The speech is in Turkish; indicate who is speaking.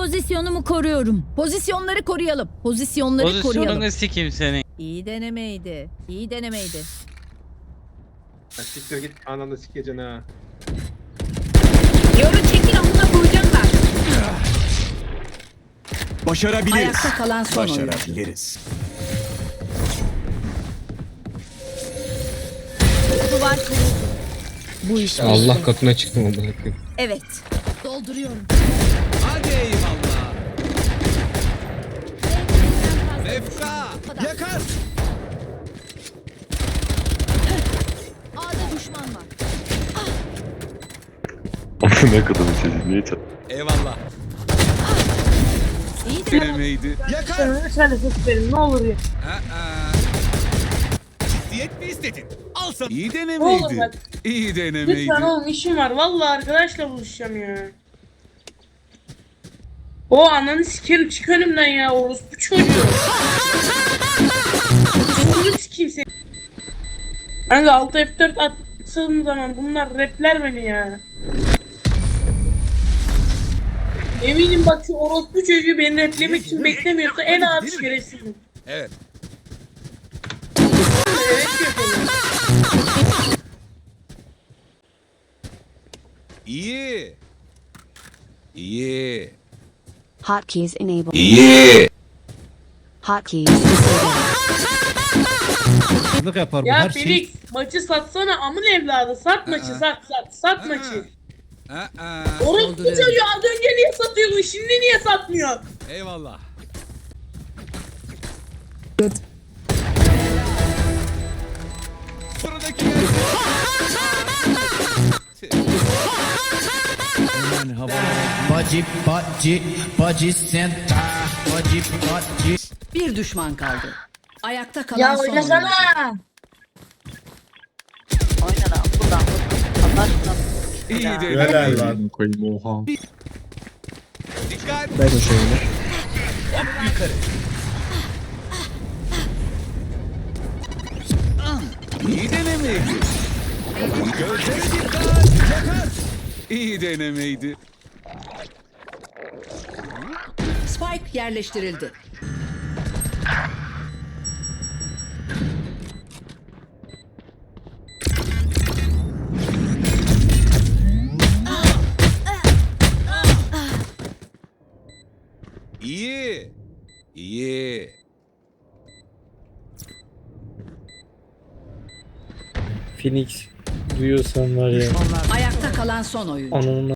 Speaker 1: Pozisyonumu koruyorum.
Speaker 2: Pozisyonları koruyalım. Pozisyonları koruyalım.
Speaker 3: Pozisyonunu sikeyim senin.
Speaker 2: İyi denemeydi. İyi denemeydi.
Speaker 4: Ya siktir git ananı sikeceksin ha.
Speaker 2: Yoru çekil amına koyacaklar.
Speaker 5: Başarabiliriz.
Speaker 2: Ayakta kalan son oyuncu.
Speaker 5: Başarabiliriz.
Speaker 2: Duvar kuruldu. Bu iş
Speaker 6: Allah
Speaker 2: bitti.
Speaker 6: katına çıktım amına koyayım.
Speaker 2: Evet. Dolduruyorum.
Speaker 5: Hadi eyvallah. Mefka. Yakar.
Speaker 2: A'da düşman var.
Speaker 7: Ne kadar çocuğu niye çat?
Speaker 5: Eyvallah.
Speaker 2: İyi deneme.
Speaker 5: Denemeydi. Yakar.
Speaker 8: Lütfen ses verin ne olur ya.
Speaker 5: Ciddiyet mi istedin? Al sana. İyi
Speaker 8: Oğlum
Speaker 5: denemeydi.
Speaker 8: bak.
Speaker 5: İyi denemeydi.
Speaker 8: Lütfen oğlum işim var. Vallahi arkadaşla buluşacağım ya. O ananı sikerim çık önümden ya orospu çocuğu. Sonu sikeyim seni. Kanka 6 F4 attığım zaman bunlar rapler beni ya. Eminim bak şu orospu çocuğu beni raplemek için beklemiyorsa en ağır şerefsizim.
Speaker 5: Evet.
Speaker 8: Evet yapıyorum.
Speaker 5: İyi. İyi.
Speaker 9: Hotkeys enabled.
Speaker 5: İyi.
Speaker 9: Hotkeys disabled.
Speaker 6: Yapar
Speaker 8: Ya Felix maçı satsana amın evladı sat maçı sat maçı. Orospu çocuğu az önce niye satıyordun şimdi niye satmıyor?
Speaker 5: Eyvallah. Sıradaki
Speaker 2: Bir düşman kaldı. Ayakta kalan
Speaker 8: Ya
Speaker 2: son
Speaker 8: oynasana.
Speaker 2: oyuncu.
Speaker 5: iyi de.
Speaker 4: Helal lan.
Speaker 7: Koyayım oha.
Speaker 5: Dikkat.
Speaker 6: Ben o şeyini.
Speaker 5: Hop yukarı. İyi denemeydi. Gözlere dikkat. Yakar. İyi denemeydi.
Speaker 2: Spike yerleştirildi.
Speaker 5: İyi. İyi.
Speaker 6: Phoenix duyuyorsan var ya.
Speaker 2: Ayakta kalan son oyuncu.
Speaker 6: Ananı